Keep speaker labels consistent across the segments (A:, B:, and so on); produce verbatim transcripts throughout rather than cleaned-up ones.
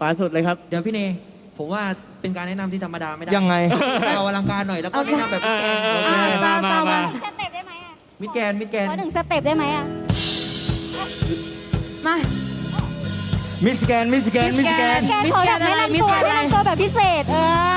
A: ขวาสุดเลยครับ
B: เดี๋ยวพี่เนผมว่าเป็นการแนะนำที่ธรรมดาไม่ได้
C: ยังไง
B: เอาอลังการหน่อยแล้วก็แนะนำแบบมิดแกน
D: มามามา
E: สเต็ปได้ไหมอ่ะ
B: มิดแกนมิดแกน
E: ขอหนึ่งสเต็ปได้ไหมอ่ะ
D: มา
C: มิสแกนมิสแกนมิสแกน
E: แกขอแบบแนะนำตัวแนะนำตัวแบบพิเศษเออ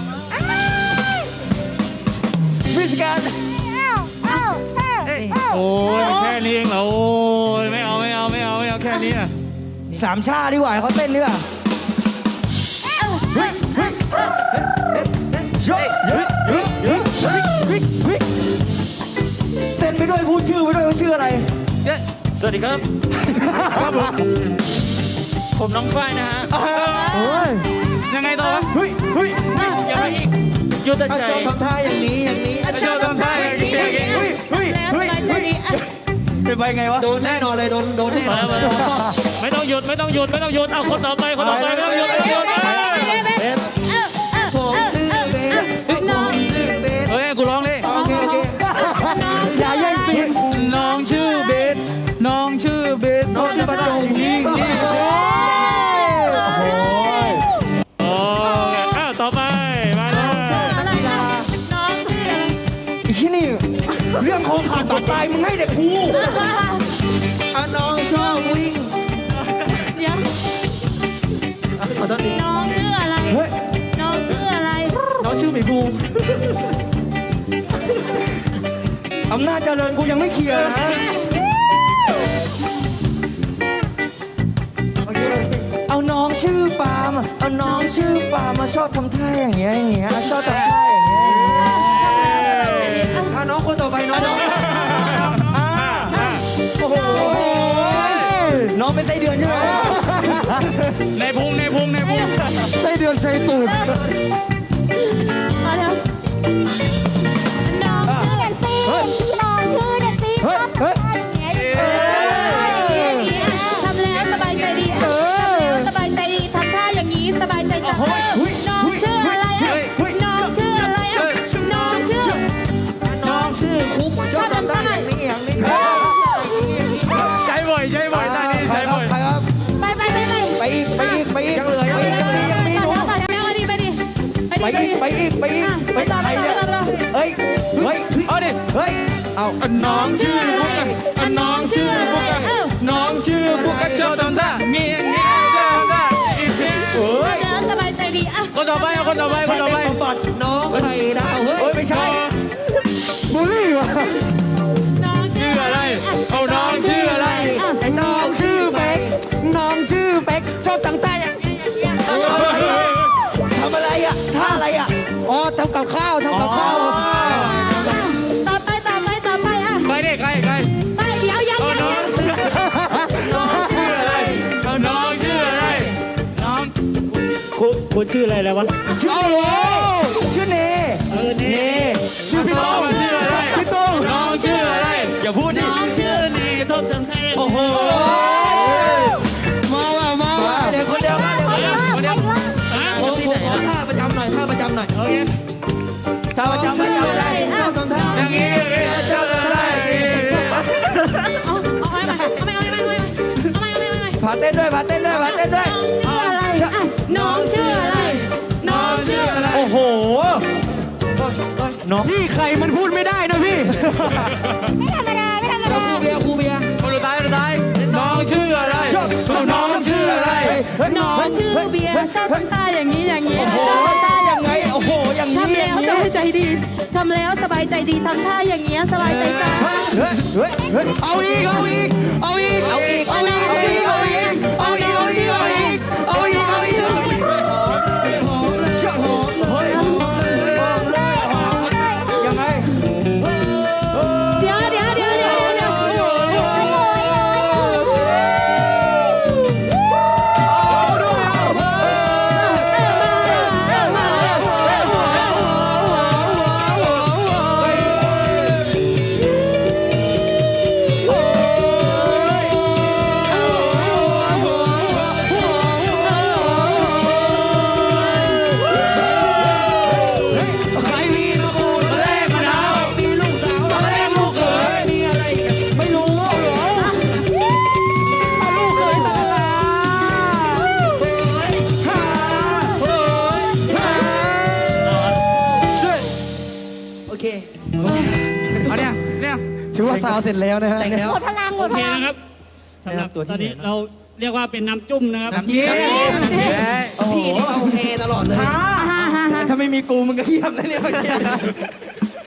C: มิสแกน
E: อ้าวอ้าวอ้าว
A: โอ้ยแค่นี้เองเหรอโอ้ยไม่เอาไม่เอาไม่เอาไม่เอาแค่นี้อ่ะ
C: สามชาดีกว่าเขาเต้นดีกว่าเฮ้ยเฮ้ยเฮ้ยเฮ้ยเฮ้ยเฮ้ยเฮ้ยเฮ้ยเฮ้ยเฮ้ยเต้นไปด้วยพูดชื่อไปด้วยว่าชื่ออะไร
A: สวัสดีครับครับผมผมน้องฝ้ายนะฮะ
C: โอ้ย
A: ยังไงต่อวะ
C: เฮ้ยเฮ้ยยังไงอีก
A: ยุทธ
B: เอา
A: ชั
B: โช
A: ย
B: ว์ทำท่าอย่างนี้อย่างนี้
A: โชว์ทำท่าอย่างนี้อย่างนี้
C: เฮ้ยเฮ้ยเฮ้ยเฮ้ยเป็นไปไงวะ
B: โดนแน่นอนเลยโดนโดนแน่นอนเลย
A: ไม่ต้องหยุดไม่ต้องหยุดไม่ต้องหยุดเอาคนต่อไปคนต่อไปไม่ต้องหยุดไม่ต้องหยุด
B: ผมชื่อเบสผมชื่อเบส
A: เฮ้ยกูร้องเลย
B: โอเคโอเค
C: อย่าแย่งซีน
A: น้องชื่อเบสน้องชื่อเบส
B: น้องชื่อประจงนี่นี่
C: โอ้ย
A: โอ้อ้าวต่อไปมาเลย
B: นักกีฬา
D: น้องชื่ออะไร
C: ไอ้ที่นี่เรื่องของขาดบาดตายมึงให้เด็กกู
B: เอาน้องชอบวิ่ง
D: เดี๋ยว
B: ขอโทษที
D: น้องชื่ออะไร
C: เฮ้ย
D: น้องชื่ออะไร
B: น้องชื่อหมีภู
C: อำนาจเจริญกูยังไม่เคลียร์นะ
B: โอเคโอเค
C: เอาน้องชื่อปาล์มเอาน้องชื่อปาล์มมาชอบทำท่าอย่างเงี้ยอย่างเงี้ยชอบทำท่าอย่างเงี้ย
B: เอาน้องคนต่อไปน้อง
C: อ่า
B: โอ้โห
C: น้องเป็นไส้เดือนใช่ไหม
A: ในพุงในพุงในพุง
C: ไส้เดือนไส้ตูด
D: มาแล้ว
E: น้องชื่อเดนซี่น้องชื่อเดนซี่ชอบทำท่าอย่างเงี้ย
D: ทำแล้วสบายใจดีทำแล้วสบายใจดีทำท่าอย่างนี้สบายใจจังน้องชื่ออะไรอ่ะน้องชื่ออะไรอ่ะน้องชื่อ
B: น้องชื่อคุกชอบทำได้อย่างนี้อย่างนี้
A: ใช้บ่อยใช้บ่อยท่านี้ใช้บ่อย
C: ใครครับ
D: ไปไปไปไป
C: ไปอีกไปอีกไปอีก
B: ยังเหลือยัง
C: ไป
B: เหลื
C: อี
B: อก
C: ยังมียังมี
D: ต่อ
C: หนู
D: แถวต่อแถวไปดิไปดิ
C: ไปอีกไปอีกไปอีก
D: ไปต่อไปต่อไปต่อ
C: เฮ้ยเฮ้ย
A: เอาดิ
C: เฮ้ยเอา
A: น้องชื่อบุ๊กอะน้องชื่อบุ๊กอะน้องชื่อบุ๊กอะชอบทำท่าเงี้ยเงี้ยชอบทำท่าอีกที
C: เฮ้ย
D: เดินสบายใจดีอ่ะ
A: คนต่อไปเอาคนต่อไปคนต่อไป
B: น้องไข่ดาวเฮ้
C: เฮ้ย
B: ย
C: ไม่ใช่บูลลี่วะ
D: น้องชื่
A: ชื่
D: อ
A: ออะไรเอาน้องชื่ออะไร
C: ไอ้น้องชื่อเป๊กน้องชื่อเป๊กชอบตั้งแต่ทำอะไรอ่ะท่าอะไรอ่ะอ๋อทำกับข้าวทำกับข้าว
D: ต่อไปต่อไปต่อไปอ่ะ
A: ใครดิใครใคร
D: ไปเดี๋ยวยัง
A: เอา
D: ยัง
A: น้อง
D: ยัง
A: ชื่อน้องชื่ออะไรเอาน้องชื่ออะไรน้องคุณคุณชื่ออะไรแล้ววะ
C: ชื่อโลชื่อเน
A: เออเน่
C: ชื่อพี่โต้ง
A: ชื่ออะไร
C: พี่โต้ง
A: น้องชื่ออะไร
C: อย่าพูดดิ
A: น้องชื่อนี่ทบทำไทยโอ้โห
C: มาว่ะมาว่ะเดี๋ยวคนเดียวมาเดี๋ยวคนเดียว
B: ผมผมขอท่าประจำหน่อยท่าประจำหน่อย
A: โอเค
C: ถ้าประจำไม่จำได้
B: ชอบทำท่า
A: อย่างนี้อย่างนี้ชอบทำได้
D: เอาเอาไปเอาไปเอาไปเอาไปเอาไปเอาไปเอาไป
C: พาเต้นด้วยพาเต้นด้วยพาเต้นด้วย
D: น้องชื่ออะไรอ่ะน้องชื่ออะไร
A: น้องชื่ออะไร
C: โอ้โหน้องพี่ใครมันพูดไม่ได้นะพี่
E: ไม่ธรรมดาไม่ธรรม
B: เรา
E: ดา
B: ครูเบียร์ครูเบียร์
A: คนสุดท้ายคนสุดท้ายน้องชื่ออะไรน้องชื่ออะไร
D: น้องชื่อเบียร์ชอบทำท่าอย่างนี้อย่างนี้
C: โอ้โหยังไงโอ้โหอย่างนี้
D: ทำ
C: อ
D: แล้ว
C: ย่าง
D: ส
C: นี้
D: บายใจดีทำแล้วสบายใจดีทำท่าอย่างเงี้ยสบายใจจ้า
C: เฮ้ยเฮ้ยเฮ้ยเอาอีกเอาอีกเอาอีกเอาอีกเอาอีกเอาอีกเอาอีกเอาอีกเอาอีกเอาอีกเอาอีกเอาอีก
B: หอมเลยหอมเลยหอมเลยหอมเลยหอมเลย
C: ยังไง
D: เดี๋ยวเดี๋ยวเดี๋ยวเดี๋ยวเดี๋ยว
C: เ
B: เค
A: เอาเนี่ยเนี่ย
C: ถือว่าซาวเสร็จแล้วนะฮะ
B: แต่งแล้ว
E: หมดพลังหม
F: โอ
E: ดพ
F: เค
E: ลัง
F: นะครับสำหรับ
C: ตัวที่
F: ตอนนี้
C: ไหนนะ
F: เราเรียกว่าเป็นน้ำจุ่มนะครับ
B: น้ำจิ้มพี่นี่เอาเฮตลอดเลย
C: ถ้าไม่มีกูมึงก็เทียบนะเนี่ยเมื่อกี้